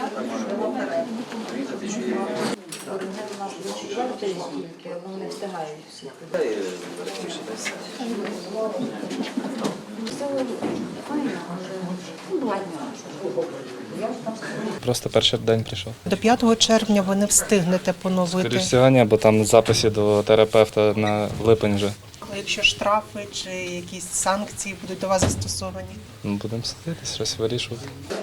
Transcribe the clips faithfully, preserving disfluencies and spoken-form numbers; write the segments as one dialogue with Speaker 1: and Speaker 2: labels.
Speaker 1: Вони встигають всі.
Speaker 2: Просто перший день прийшов.
Speaker 3: До п'ятого червня ви не встигнете поновити.
Speaker 2: Скоріше всього, ні, бо там записи до терапевта на липень вже.
Speaker 3: А якщо штрафи чи якісь санкції будуть до вас застосовані?
Speaker 2: Ну, будемо сидіти, щось вирішувати.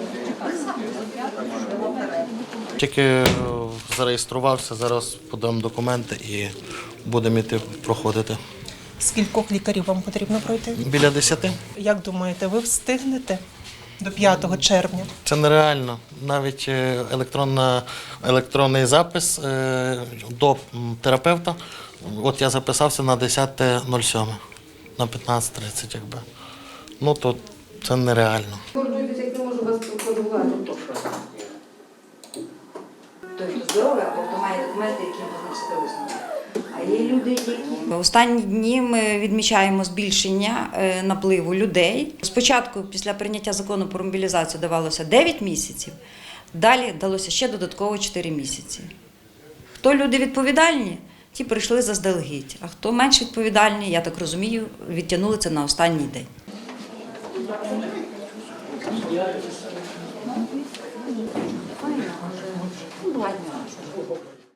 Speaker 4: Тільки зареєструвався, зараз подамо документи і будемо йти проходити.
Speaker 3: Скількох лікарів вам потрібно пройти?
Speaker 4: Біля десяти.
Speaker 3: Як думаєте, ви встигнете до п'ятого червня?
Speaker 4: Це нереально. Навіть електронна, електронний запис е, до терапевта. От я записався на десяте сьоме, на п'ятнадцяте тридцять, якби. Ну, то це нереально.
Speaker 1: Гордуйтесь, як не можу вас проконтролювати, то що? Той, хто здоровий, або хто має документи, які можна себе визнати. А є люди, які...
Speaker 5: Останні дні ми відмічаємо збільшення напливу людей. Спочатку, після прийняття закону про мобілізацію, давалося дев'ять місяців, далі далося ще додатково чотири місяці. Хто люди відповідальні, ті прийшли заздалегідь, а хто менш відповідальні, я так розумію, відтягнули це на останній день.
Speaker 1: Файно, але...